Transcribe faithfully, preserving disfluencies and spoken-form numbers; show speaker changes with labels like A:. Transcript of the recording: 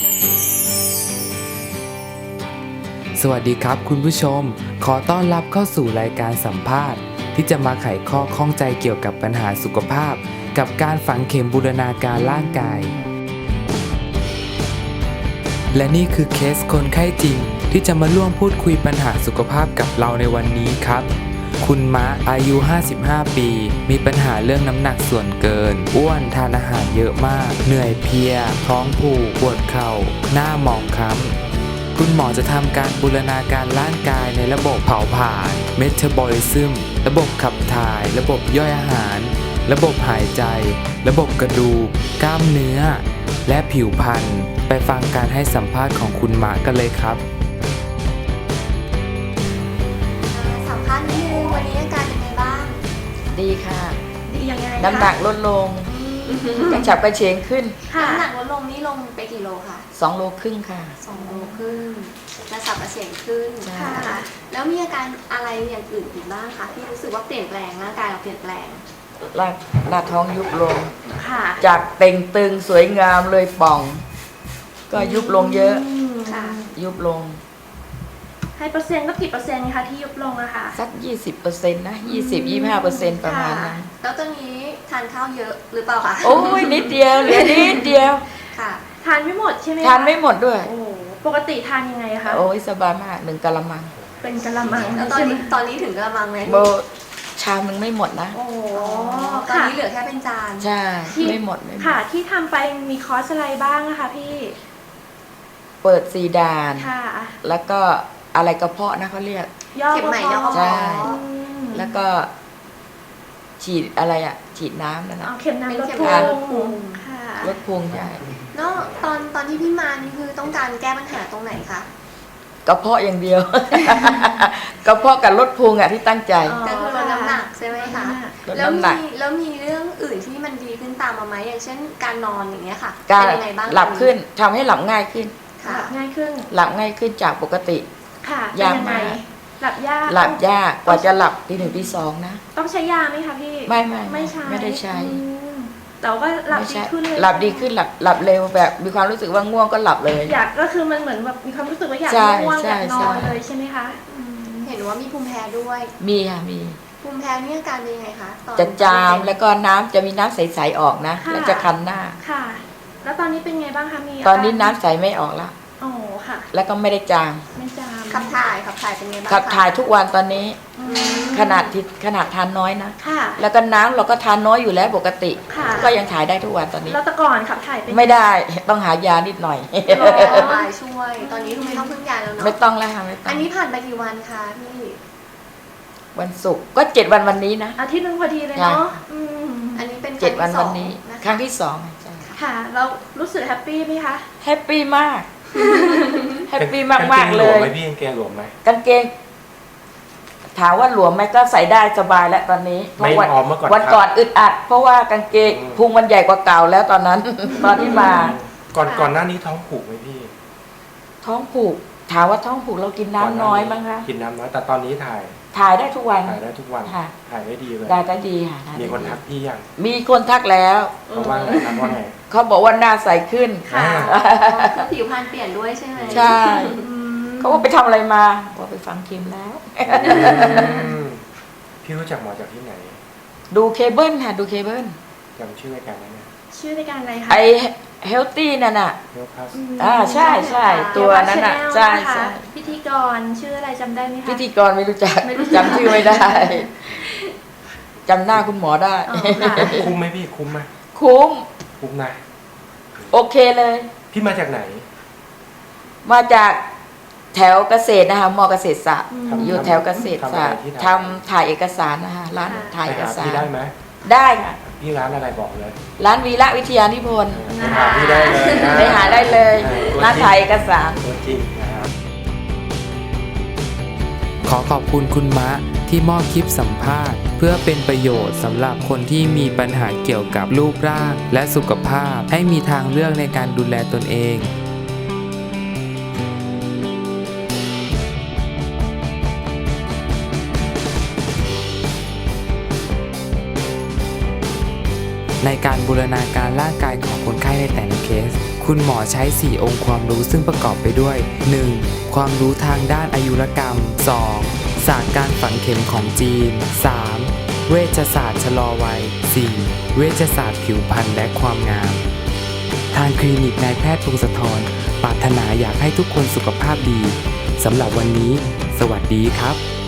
A: สวัสดีครับคุณผู้ชมขอต้อนรับเข้าสู่รายการสัมภาษณ์ที่จะมาไขข้อข้องใจเกี่ยวกับปัญหาสุขภาพกับการฝังเข็มบูรณาการร่างกายและนี่คือเคสคนไข้จริงที่จะมาร่วมพูดคุยปัญหาสุขภาพกับเราในวันนี้ครับคุณมะอายุห้าสิบห้าปีมีปัญหาเรื่องน้ำหนักส่วนเกินอ้วนทานอาหารเยอะมากเหนื่อยเพลียท้องผูกปวดเข่าหน้าหมองคล้ำคุณหมอจะทำการบูรณาการร่างกายในระบบเผาผลาญเมตาบอลิซึมระบบขับถ่ายระบบย่อยอาหารระบบหายใจระบบกระดูกกล้ามเนื้อและผิวพรรณไปฟังการให้สัมภาษณ์ของคุณมะกันเลยครับ
B: สัมภาษณ์นิดนึงวันนี้อาการเป็นไงบ้าง
C: ดีค่ะ
B: ดียังไง
C: น้ำหนักลดลงกระฉับกระเฉงขึ้น
B: น้ำหนักลดลงนี่ลงไปกี่โลคะ
C: สองโลครึ่งค่ะ
B: สองโลครึ่งกระสับกระเฉงขึ้น
C: ใช่
B: ค่ะแล้วมีอาการอะไรอย่างอื่นอีกบ้างคะที่รู้สึกว่าเปลี่ยนแปลงร่างกายเราเปลี่ยนแปลง
C: หน้าหน้าท้องยุบลง
B: ค่ะ
C: จากเต่งตึงสวยงามเลยป่อง ก็ยุบลงเยอะ
B: ค่ะ
C: ยุบลง
D: ให้เปอร์เซ็นต์ก็กี่เปอร์เซ็นต์คะที่ยุบลงอะค่ะ
C: สัก ยี่สิบเปอร์เซ็นต์ นะ ยี่สิบ ยี่สิบห้าเปอร์เซ็นต์ ประมาณนั้น
B: แล้วตอนนี้ทานข้าวเยอะหรือเปล่าคะ
C: โอ้ยนิดเดียวเหลือนิดเดียว
B: ค่ะ
D: ทานไม่หมดใช่ไหมคะ
C: ทานไม่หมดด้วย
D: โอ้โหปกติทานยังไงคะ
C: โอ้ยสบายมากหนึ่งกะละมัง
D: เป็นกะละมัง
B: แล้วตอน
D: ใช่ไหม
B: นี้ตอนนี้ถึงกระมังไหม
C: โบชามหนึ่งไม่หมดนะ
D: โอ้โห
B: อ๋อตอน
D: ค่ะ
B: นี้เหลือแค่เป็นจาน
C: ใช่
D: ที่
C: ไม่หมดไม่หม
D: ค่ะ
C: ด
D: ที่ทำไปมีคอร์สอะไรบ้างนะคะพี่
C: เปิดซีดาน
D: ค่ะ
C: แล้วก็อะไรกระเพาะนะเขาเรียก
D: ย่อ
B: เข็มใหม่ย่อ
C: ใช่
D: อืม
C: แล้วก็ฉีดอะไรอ่ะ ฉีดน้ำนั่นนะ
D: เอาเข็มน้ำลด
B: เป็น
D: พุ
B: เข็มน้ำลดพุ
D: ง
B: ง
D: ค่ะ
C: ลดพุงใช่
B: แล้วตอนตอนที่พี่มานี่คือต้องการแก้ปัญหาตรงไหนคะ
C: กระเพาะอย่างเดียว กระเพาะกับลดพุงอ่ะที่ตั้งใจ
D: อ๋อ
B: ก็คือลดน้ำหนักใช่ไหมคะ
C: ลด
B: แล้ว
C: น้ำหนั
B: มี
C: ก
B: แล้วมีเรื่องอื่นที่มันดีขึ้นตามมาไหมอย่างเช่นการนอนอย่างเงี้ยค่ะ
C: การ
B: เป็นยังไงบ้าง
C: หลับขึ้นทำให้หลับง่ายขึ้น
B: ค่ะ
D: หลับง่ายขึ้น
C: หลับง่ายขึ้นจากปกติ
D: ค่ะเป็น
C: ยาก
D: ยังไง
C: มาก
D: หลับยาก
C: หลับยากกว่าจะหลับทีหนึ่งทีสองนะ
D: ต้องใช้ยาไหมคะพี่
C: ไม่ไม่
D: ไม่ใช้
C: ไม่ได้ใช้
D: อืมแต่ว่าหลับ
C: ไม่
D: ดี
C: ใช่
D: ขึ้นเลย
C: หลับดีขึ้นหลับหลับเร็วแบบมีความรู้สึกว่าง่วงก็หลับเลย
D: อยากก็คือมันเหมือนแบบมีความรู้สึกว่าอยาก
C: ใช่
D: ง่วง
C: ใช่
D: อยากนอน
C: ใช่
D: เลยใช่ไหมคะอืม
B: เห็นว่ามีภูมิแพ้ด้วย
C: มีค่ะมี
B: ภูมิแพ้นี่อาการเป็นยังไงคะตอน
C: จะจาม
B: ที่เป็น
C: แล้วก็น้ำจะมีน้ำใสๆออกนะ
D: ค่ะ
C: แล้วจะคันหน้า
D: ค่ะ แล้วตอนนี้เป็นไงบ้างคะมี
C: ตอนนี้
D: าการ
C: น้ำใสไม่ออกละ
D: โอ้ค่ะ
C: แล้วก็ไม่ได้จาม
D: ไม่จาม
B: ขับถ่ายขับถ่ายเป็นไงบ้าง
C: ขับ
B: คะ
C: ถ่ายทุกวันตอนนี้
D: อืม
C: ขนาดที่ขนาดทานน้อยนะ
D: ค่ะ
C: แล้วก็น้ำเราก็ทานน้อยอยู่แล้วปกติ
D: ค่ะ
C: ก็ยังถ่ายได้ทุกวันตอนนี้
D: แล้วแต่ก่อนขับถ่ายเป็น
C: ไม่ได้ต้องหายานิดหน่อย
D: อ๋อ
B: ระบายช่วย ตอนนี้คือไม่ต้องพึ่งยาแล้วเนาะ
C: ไม่ต้องแล้วค่ะไม่ต้อ
B: อั
C: ง
B: นนี้ผ่านไปกี่วันคะพี่
C: วันศุกร์ก็เจ็ดวันวันนี้นะ
D: อาทิตย์หนึงพอดีเลย
C: ค่ะ
D: เนาะอืม
B: อันนี้เป็น
C: เจ็ดวัน
B: ครั้
C: วั
B: ง
C: น
B: ที่
C: นี้
B: สองนะคะ
C: ครั้งที่สองใช่
D: ค่ะเรารู้สึกแฮปปี้ไหมคะ
C: แฮปปี้มากแฮปปี้มากมากๆเล
E: กางเกงหลวม
C: ย
E: ไหมพี่กางเกงหลวมไหม
C: กางเกง ถามว่าหลวมไหมก็ใส่ได้สบายแล้วตอนนี้เพ
E: ไม่
C: ราะวัน
E: พร้อมเมื่อก่อน
C: วัน
E: ครับ
C: ก่อนอึดอัด เพราะว่ากางเกง
E: อืม
C: พุงมันใหญ่กว่าเก่าแล้วตอนนั้น ตอนที่มา
E: ก่อนก่อนหน้านี้ท้องผูกไหมพี่
C: ท้องผูก ถามว่าท้องผูกเรากินน้ำน้อยมั้งคะ
E: กินน้ำน้อยแต่ตอนนี้ถ่าย
C: ถ่ายได้ทุกวัน
E: ถ่ายได้ทุกวัน
C: ค่ะ
E: ถ่ายได้ดีเลย
C: ได้ได้ดีค่ะได้
E: มีคน
C: ดี
E: ทักพี่ยัง
C: มีคนทักแล้ว
E: เขาว่าไงทักว่าไง
C: เขาบอกว่าหน้าใสขึ้น
D: ค่ะ
E: อ่า
B: คือผิวพรรณเปลี่ยนด้วยใช่ไหม
C: ใช่
D: อืม
C: เขาว่าไปทำอะไรมาบอกไปฟังคิมแล้ว
E: อืมพี่รู้จักหมอจากที่ไหน
C: ดูเคเบิลค่ะดูเคเบิล
E: จำชื่อรายการได้ไหม
D: ชื่อรายการอะไรคะ
C: ไอเฮลตี้นั่นน่ะ
E: เรียกพัส
D: ม
C: อ่าใช่ใช่ตัวนั้นน่ะ
D: Channel
C: ใช่
D: นะคะ
C: ใช่
D: พิธีกรชื่ออะไรจำได้ไหมคะ
C: พิธีกรไม่รู้จัก
D: ไม่รู้จัก
C: จำชื่อไม่ได้จำหน้าคุณหมอได้
D: อ๋อค่ะ
E: คุ้มไหมพี่คุ้มไหม
C: คุ้ม
E: คุ้มนะ
C: โอเคเลย
E: พี่มาจากไหน
C: มาจากแถวเกษตรนะคะมอเกษตรศาสตร์
D: อืม
E: ทำ
C: อยู่แถวเกษตรศาสตร์
E: ทำอะไรที่ไหน
C: ทำถ่ายเอกสารนะคะร้าน
D: ค่ะ
C: ถ่าย
E: ไป
C: เอก
E: หา
C: สา
E: พี่
C: ร
E: ได้ไหม
C: ได้ค่ะ
E: พี่ร้านอะไรบอกเลย
C: ร้านวีระวิทยานิพนธ์
E: ไปหาพี่ได้เลยนะ
C: ไปหาได้เลย
E: เออ
C: ร้านถ่ายเอกสาร
E: ตัวจริงนะครับ
A: ขอขอบคุณคุณมะที่มอบคลิปสัมภาษณ์ เพื่อเป็นประโยชน์สำหรับคนที่มีปัญหาเกี่ยวกับรูปร่างและสุขภาพให้มีทางเลือกในการดูแลตนเอง ในการบูรณาการร่างกายของคนไข้ในแต่ละเคสคุณหมอใช้ สี่ องค์ความรู้ซึ่งประกอบไปด้วย หนึ่ง ความรู้ทางด้านอายุรกรรม สอง ศาสตร์การฝังเข็มของจีน สาม เวชศาสตร์ชะลอวัย สี่ เวชศาสตร์ผิวพรรณและความงาม ทางคลินิกนายแพทย์พงศธรปรารถนาอยากให้ทุกคนสุขภาพดีสำหรับวันนี้ สวัสดีครับ